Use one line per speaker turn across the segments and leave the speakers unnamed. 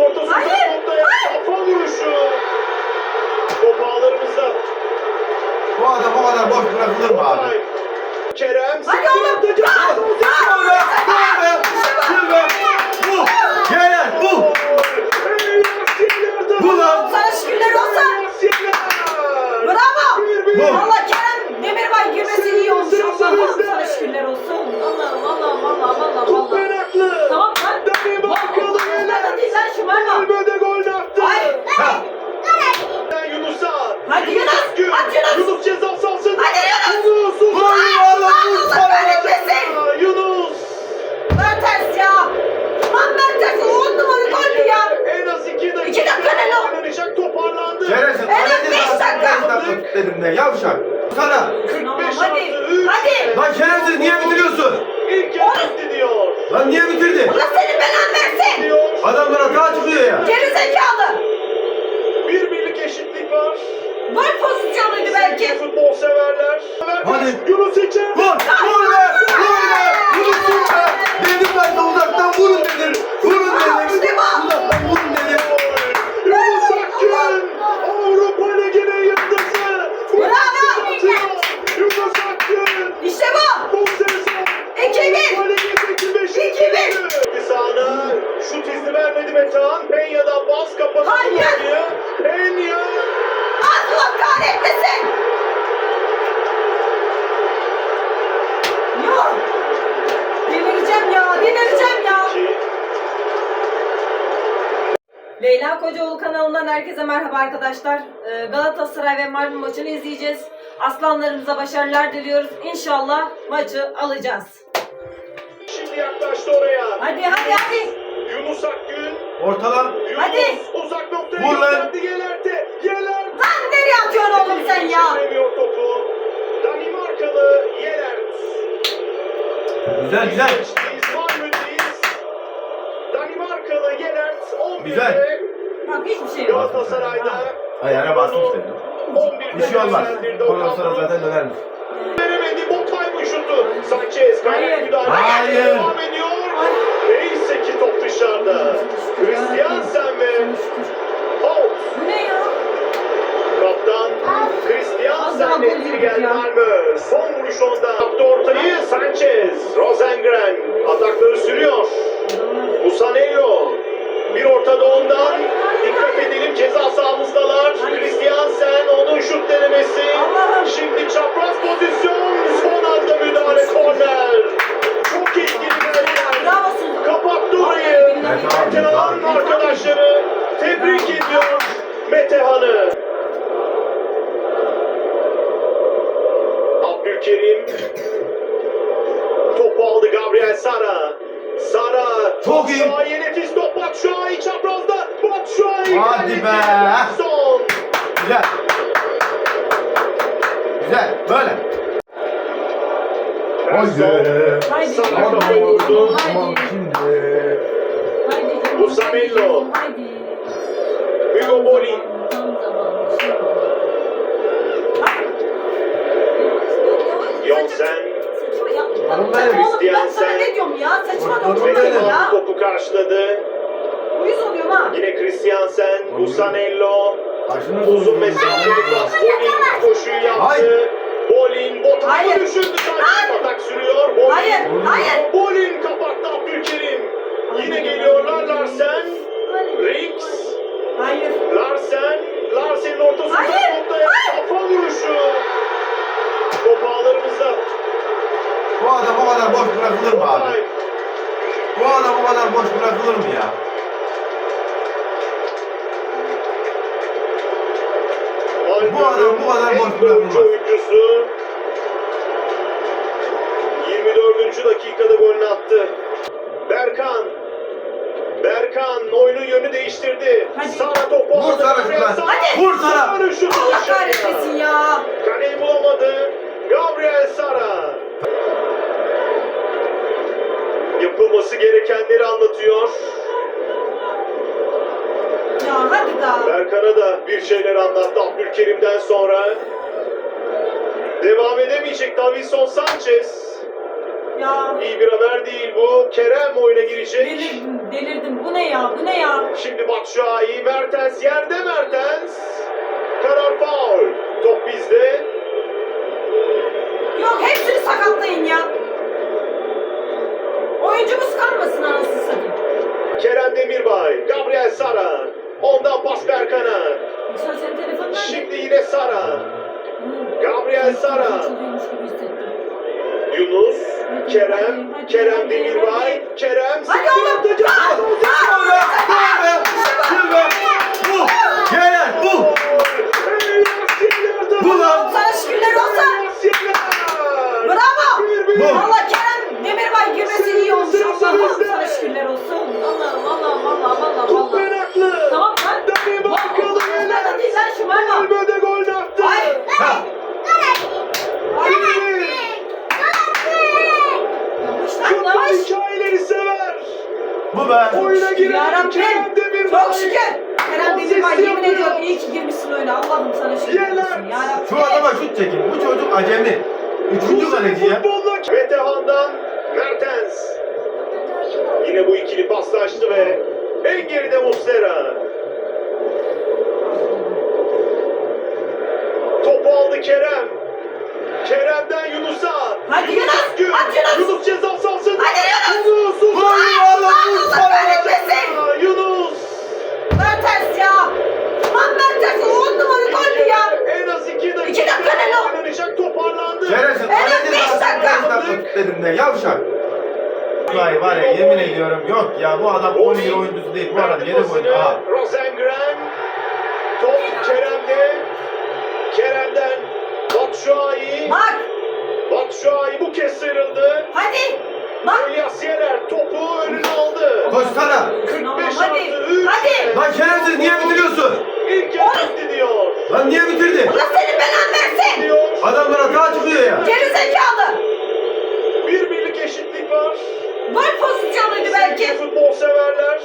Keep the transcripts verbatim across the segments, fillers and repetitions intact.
ortası
Hayır,
noktaya kafa vuruşu. Top ağlarımızda.
Bu adam o kadar boş bırakılır mı abi?
Kerem
Hadi oğlum.
sıkı atacak.
Gol be! Gol be! Gol be! Bu! Gelen bu! Bu lan!
Sana şükürler olsun. Bravo.
Bu.
Allah Kerem Demirbay girmesi iyi olmuş. Allah'ım sana şükürler olsun. Allah'ım Allah'ım Allah'ım Allah'ım
Top
Allah'ım.
meraklı.
Tamam lan.
Dani Markalı
Vallahi değil lan şu var mı?
Malmö'de gol attı.
Ay.
Ha!
Yunus'a.
Hadi Yunus,
Gün.
at Yunus.
Yunus ceza sahasında.
Hadi Yunus.
Yunus.
Vur oğlum! Vur!
Allah kahretmesin.
Yunus.
Mertens ya. Lan Mertens on numara goldü ya.
En az iki dakika.
İki dakika ne lan?
Oynanacak toparlandı.
Şerefsiz!
Evet,
Kaleci
beş
zaten
dakika.
beş dakika dedim ne? Yavşak! Sana!
Tamam,
kırk beş
hadi.
artı üç.
Hadi.
Lan şerefsiz niye bitiriyorsun?
İlk yarı bitti diyor.
Lan niye bitirdin?
Allah senin belanı versin.
Diyor.
Adamlar hata çıkıyor ya.
Geri zekalı.
Bir birlik eşitlik var.
Gol pozisyonuydu belki.
Futbol severler.
Hadi.
Yunus için.
Vur! Vur be! Vur be! Vurun be! Dedim ben de uzaktan vurun dedim. Vurun dedim.
İşte bu.
Uzaktan vurun dedim.
Yunus Akgün. Avrupa Ligi'nin yıldızı.
Bravo.
Yunus Akgün.
İşte bu.
Bu sezon.
İki bir.
Avrupa Ligi'ndeki beşinci.
İki bir.
Bir sahada şut izni vermedi Metehan. Peña'dan bas kapattı.
Hayır.
Peña.
Allah kahretmesin. Yok. Delireceğim ya. Delireceğim ya. Leyla Kocaoğlu kanalından herkese merhaba arkadaşlar. Ee, Galatasaray ve Malmö maçını izleyeceğiz. Aslanlarımıza başarılar diliyoruz. İnşallah maçı alacağız.
Şimdi yaklaştı oraya.
Hadi hadi hadi.
Yunus Akgün.
Ortadan.
Yunus
Hadi.
uzak noktaya
Vur lan.
gönderdi. Gelerte. Gelert.
Lan nereye atıyorsun oğlum sen ya?
Çeviremiyor topu. Danimarkalı Gelert.
Güzel güzel.
Geçtiğiz Malmö'deyiz. Danimarkalı Gelert on birde.
Güzel.
Bak hiçbir şey yok.
Galatasaray'da.
Ayağına basmış dedim.
on birde
Bir şey olmaz.
değerlendirdi
Ondan
Okan
sonra
Buruk.
zaten dönermiş.
Veremedi. Botay şutu. Sanchez. Kaynak
Hayır.
müdahale.
Hayır.
Devam ediyor. Neyse ki top dışarıda. Christiansen ve Holt.
Bu ne ya?
Kaptan Christiansen etkili geldi Malmö. Son vuruş onda. Yaptı ortayı Sanchez. Rosengren atakları sürüyor. Musanello. Bir ortada ondan. Dikkat edelim ceza sahamızdalar. Christiansen onun şut denemesi.
Allah'ım.
Şimdi çapraz pozisyon. Son anda müdahale korner. Çok etkili bir
Bravo Suzu.
kapattı orayı.
Metehan,
Metehan
Metehan.
arkadaşları tebrik ediyor Metehan'ı. Abdülkerim topu aldı Gabriel Sara. Sara
Çok iyi.
Batshuayi nefis top Batshuayi çaprazda. Batshuayi
Hadi be.
Son.
Güzel. Güzel. Böyle. Haydi.
Haydi.
Sara
Tamam,
kafa vurdu.
tamam şimdi.
Haydi canım,
Musamello.
haydi.
Hugo Boli.
Tam zamanı, şey oldu. Bak.
Jonsen.
Saçma ya.
Oğlum
Saçma
benim.
oğlum, ben sana ne diyorum ya? Saçma
Bak,
dokunma
bak,
ya.
Metehan topu karşıladı.
Uyuz oluyorum ha.
Yine Christiansen,
Oğlum.
Musanello.
Başını
Uzun mesafeli pas. Bolin koşuyu yaptı.
Hayır.
Bolin botayı
Hayır.
düşürdü. Sadece
Hayır.
atak sürüyor. Bolin.
Hayır, hayır.
Bolin kapattı Abdülkerim. Yine geliyorlar Larsen. Rix.
Hayır.
Larsen. Larsen'in ortasında
Hayır,
noktaya
hayır.
kafa vuruşu. Top ağlarımızda.
Bu adam o kadar boş bırakılır mı abi?
Botay.
Bu adam o kadar boş bırakılır mı ya? Bu adam bu kadar boş
En
bırakılmaz.
golcü oyuncusu. yirmi dördüncü dakikada golünü attı. Berkan. Berkan oyunun yönü değiştirdi.
Hadi.
Sara topu
Vur
aldı.
Sara
Gabriel
şuradan.
Sara.
Hadi.
Vur Sara.
Sara şutu
Allah
dışarıya.
kahretmesin ya.
Kaleyi bulamadı. Gabriel Sara. Yapılması gerekenleri anlatıyor.
Ya hadi daha.
Berkan'a da bir şeyler anlattı Abdülkerim'den sonra. Devam edemeyecek Davinson Sanchez.
Ya
İyi bir haber değil bu. Kerem oyuna girecek.
delirdim, delirdim. Bu ne ya? Bu ne ya?
Şimdi Batshuayi, Mertens yerde Mertens. Karar faul. Top bizde.
Yok hepsini sakatlayın ya. Oyuncumuz kalmasın anasını satayım.
Kerem Demirbay, Gabriel Sara. Ondan pas Berkan'a.
Sen senin telefonun nerede?
Şimdi yine Sara.
Hı.
Gabriel Sara.
Çalıyormuş gibi hissettim.
Yunus,
Hadi,
Kerem,
hadi,
Kerem
hadi,
Demirbay,
hadi.
Kerem.
Hadi
sıkı
oğlum.
atacak.
Gol be! Gol be! Gol be! Bu! Gelen bu! Bu lan!
Sana şükürler olsun. Bravo.
Bu.
Allah Kerem Demirbay girmesi iyi olmuş. Allah'ım sana şükürler olsun. Allah'ım Allah'ım Allah'ım Allah'ım
Top
Allah'ım.
meraklı.
Tamam lan.
Demi bakalım
Lan değil lan şu var mı?
Malmö'de gol attı.
Ay.
Ha!
Ay. Yavaş lan
Futbol
yavaş.
hikayeleri sever.
Bu be!
Oyuna giren Kerem
Yarabbim.
Demirbay.
Çok şükür. Kerem Demirbay yemin ediyorum iyi ki girmişsin oyuna. Allah'ım sana şükürler olsun. Yarabbim.
Şu adama şut çekin. Bu çocuk acemi. Üçüncü kaleci ya.
Futbolla Metehan'dan Mertens. Yine bu ikili paslaştı ve en geride Muslera. Topu aldı Kerem. Kerem'den Yunus'a.
Hadi Yunus,
Gün.
at Yunus.
Yunus ceza sahasında.
Hadi
Yunus.
Gol oğlum!
Allah kahretmesin.
Aa, Yunus.
Mertens ya. Lan Mertens on numara goldü ya.
En az iki dakika.
İki dakika ne lan?
Oynanacak, toparlandı.
Şerefsiz.
Evet,
Kaleci
beş
zaten
dakika.
beş dakika tut dedim de yavşak. Vay var ya yemin ediyorum yok ya bu adam on yıl oyuncusu değil bu adam yedek oyuncu. Aha.
Rosengren. Top Kerem'de. Kerem'den Batshuayi.
Bak.
Batshuayi bu kez sıyrıldı.
Hadi. Bak.
Elias Yener topu önüne aldı.
Koşsana.
kırk beş
Hadi,
artı üç.
hadi.
Lan şerefsiz niye bitiriyorsun?
İlk yarı bitti diyor.
Lan niye bitirdin?
Allah senin belanı versin.
Diyor.
Adamlar hata çıkıyor ya.
Geri zekalı.
Bir birlik eşitlik var.
Gol pozisyonuydu belki.
Sevgili futbol severler.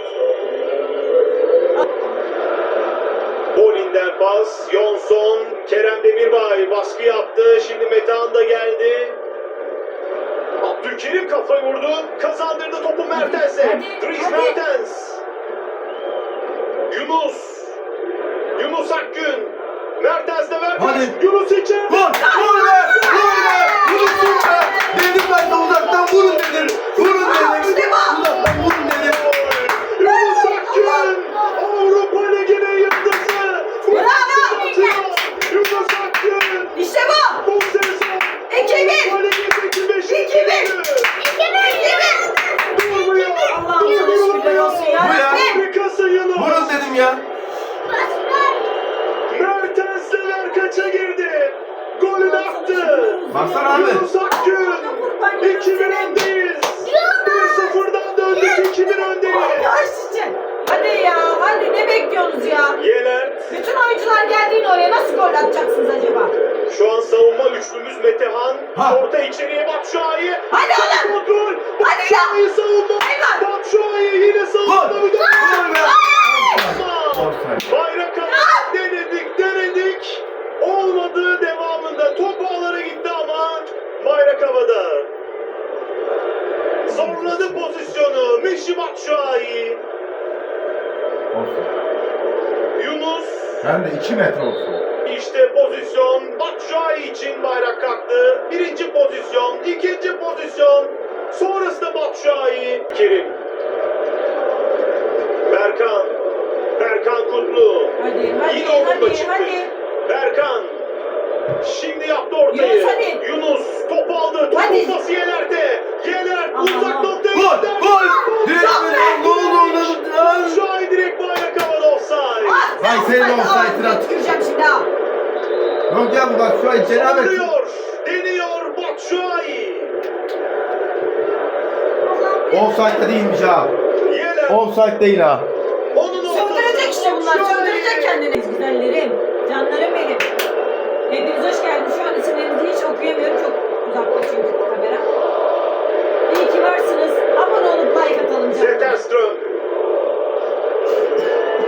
Bolin'den pas. Johnson. Kerem Demirbay baskı yaptı. Şimdi Metehan da geldi. Abdülkerim kafayı vurdu. Kazandırdı topu Mertens'e.
Hadi,
Dries
hadi.
Mertens. Yunus. Yunus Akgün. Mertens de verdi.
Hadi.
Yunus içeride.
Vur! Vur be! Vur be! Vurun be! Dedim ben de uzaktan vurun dedim. Vurun dedim.
İşte bu.
Uzaktan vurun dedim.
Yunus Akgün. Avrupa Ligi'nin yıldızı.
Bravo.
Yunus Akgün.
İşte bu.
Bu sezon
İki bir.
Avrupa Ligi'ndeki beşinci
İki bir.
golü.
İki bir. İki bir.
Durmuyor.
Allah'ım sana şükürler olsun ya.
Bu ya.
Rabbim.
Harikasın Yunus.
Vurun dedim ya.
Mertens de Verkaç'a girdi. Golünü attı.
Baksana abi.
Yunus Akgün. iki bir öndeyiz. bir sıfırdan döndük. iki bir öndeyiz.
Yavaş içe. Hadi ya. Hadi ne bekliyorsunuz ya?
Yelert.
Bütün oyuncular geldiğinde oraya nasıl gol atacaksınız acaba?
Şu an savunma üçlümüz Metehan.
Ha.
Orta içeriye Batshuayi.
Hadi oğlum.
Kontrol.
Hadi
Batshuayi
ya.
savunma.
Hayvan.
Batshuayi yine savunmada
Gol.
müdahale.
Gol be!
Ama
Offside.
bayrak havada denedik denedik. Olmadı devamında. Top ağlara gitti ama bayrak havada. Zorladı pozisyonu. Michy Batshuayi.
Offside.
Yunus.
Hem de iki metre olsun.
İşte pozisyon Batshuayi için bayrak kalktı. Birinci pozisyon, ikinci pozisyon. Sonrasında Batshuayi. Kerim. Berkan. Berkan Kutlu.
Hadi hadi
Yine onunla
hadi
çıktı.
hadi.
Berkan. Şimdi yaptı ortayı.
Yunus hadi.
Yunus top aldı. Topu
Hadi.
pası Yener'de. Yener
Aman.
uzak noktaya
Gol!
gönderdi.
Gol! Direkt böyle gol oldu.
Batshuayi direkt bayrak havada offside.
Ah,
Vay senin
offside.
offside'ına.
Aa, tüküreceğim şimdi ha.
Yok ya bu bak şu an cenabet.
Saldırıyor. Deniyor Batshuayi.
Offside değilmiş ha.
Yener.
Offside değil ha.
Onun
Söndürecek işte bunlar. Söndürecek kendini. Güzellerim. Canlarım benim. Hepiniz hoş geldiniz. Şu an isimlerinizi hiç okuyamıyorum. Çok uzakta çünkü kamera. İyi ki varsınız. Abone olup like atalım canım.
Zetterström.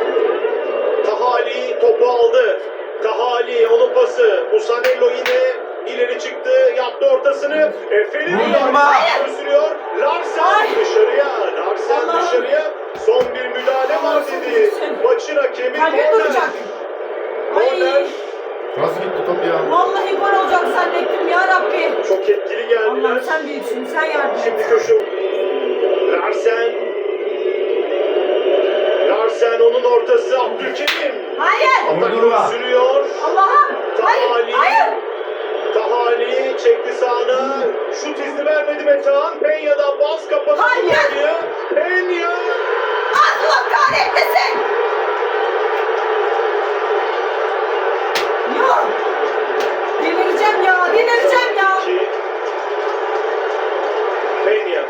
Tahali topu aldı. Tahali onun pası. Musanello yine ileri çıktı, yaptı ortasını. Efe'nin
Vurma.
sürüyor. Larsen
Ay.
dışarıya, Larsen
Allah'ım.
dışarıya. Son bir müdahale var
Allah'ım
dedi.
sen.
Maçın hakemi
Kalbim
korner.
duracak.
Korner.
Ay.
Nasıl gitti top ya?
Vallahi gol olacak zannettim ya Rabbi.
Çok etkili geldiler.
Allah'ım sen büyüksün, sen yardım
Şimdi
et.
köşe. Larsen. Larsen onun ortası Abdülkerim.
Hayır.
Vurdurma.
Atakları sürüyor.
Allah'ım. Hayır.
Tahali.
Hayır.
Tahali çekti sağına. Şut izni vermedi Metehan. Penya'dan bas kapattı.
Hayır.
Penya. Penya.
Allah kahretmesin. Yok. Delireceğim ya, delireceğim ya.
İki. Penya.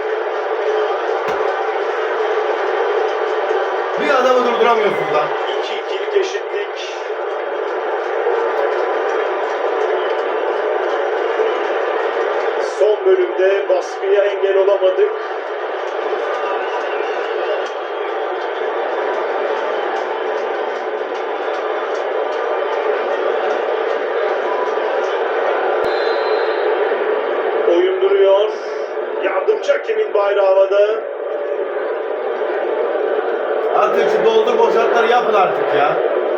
Bir adamı durduramıyorsun lan.
iki ikilik eşitlik. Son bölümde baskıya engel olamadık. Oyun duruyor. Yardımcı hakemin bayrağı havada.
Artık şu doldur boşaltları yapın artık ya.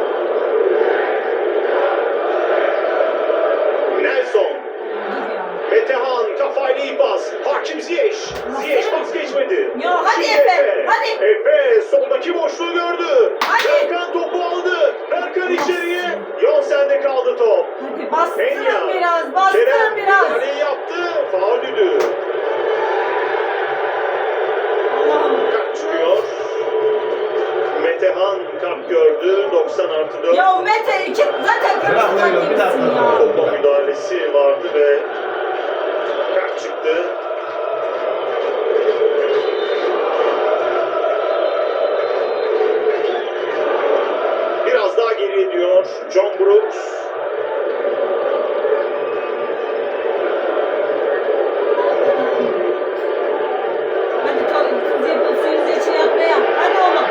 Nelson.
Dur ya.
Metehan kafayla iyi pas. Hakim Ziyech. Ziyech pas geçmedi.
Ya hadi
Şimdi
Efe, hadi.
Efe soldaki boşluğu gördü.
Hadi.
Berkan topu aldı. Berkan içeriye. Yonsen'de kaldı top.
Hadi bastırın
Penya.
biraz, bastırın
Kerem
biraz.
müdahaleyi yaptı. Faulüdü.
Allah'ım.
Kart çıkıyor. Metehan kart gördü. doksan artı dört.
Ya Mete iki zaten
Bırak
kırmızı
Leyla, bir
gibisin
dakika.
ya.
Topa müdahalesi vardı ve kart çıktı. Biraz daha geriye diyor John Brooks.
Hadi to- kız yapıp suyunuzu için yatmaya. Hadi oğlum.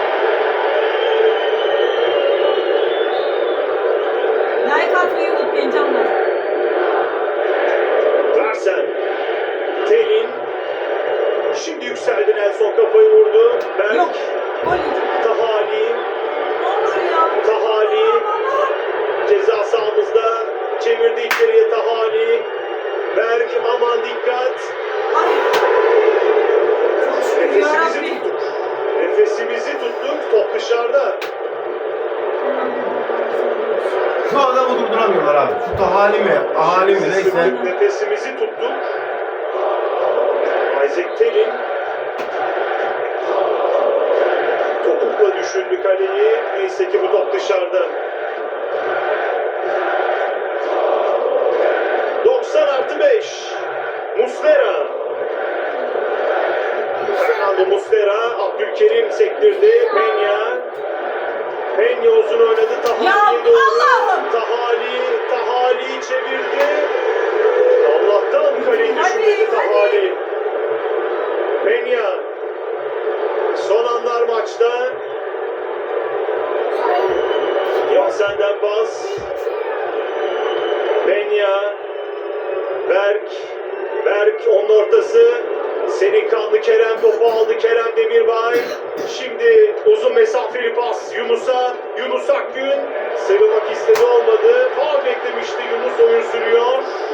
Like atmayı unutmayın canlar.
Larsen. Telin. Şimdi yükseldi, Nelson kafayı vurdu. Berk.
Yok. Gol yiyecek.
Tahali.
Ne olur ya.
Tahali.
Allah'ım.
Ceza sahamızda. Çevirdi içeriye Tahali. Berk aman dikkat.
Ay. Çok şükür ya
Nefesimizi
Rabbi.
tuttuk. Nefesimizi tuttuk. Top dışarıda.
Şu adamı durduramıyorlar abi. Şu tahali mi, ahali mi neyse.
Sıktık, nefesimizi tuttuk. Isaac Telin. Topukla düşündü kaleyi. Neyse ki bu top dışarıda. doksan artı beş. Muslera. Fernando Muslera. Abdülkerim sektirdi. Penya. Penya uzun oynadı.
Ya
Tahali'ye doğru.
Allah'ım.
Tahali. Tahali çevirdi. Allah'tan kaleyi
Hadi,
düşündü
hadi.
Tahali. Penya. Son anlar maçta. Yonsen'den pas. Penya. Berk. Berk onun ortası. Senin kanlı Kerem topu aldı. Kerem Demirbay. Şimdi uzun mesafeli pas Yunus'a. Yunus Akgün. Sıyrılmak istedi, olmadı. Faul beklemişti. Yunus oyun sürüyor.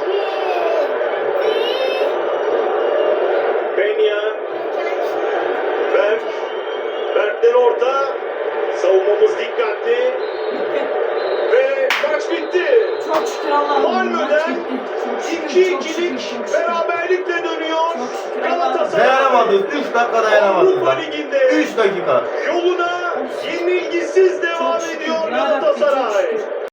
Penya. Berk. Berk'ten orta. Savunmamız dikkatli. Ve maç bitti.
Çok şükür Allah'ım.
Malmö'den
Maç bitti. Çok şükür,
iki
çok şükür,
ikilik
çok şükür.
beraberlikle dönüyor.
Çok şükür Allah'ım.
Galatasaray
Dayanamadınız. üç dakika dayanamadınız
Avrupa
lan.
Ligi'nde
üç dakika.
yoluna yenilgisiz devam
Çok şükür
ediyor
ya Rabbi, çok
Galatasaray.
şükür.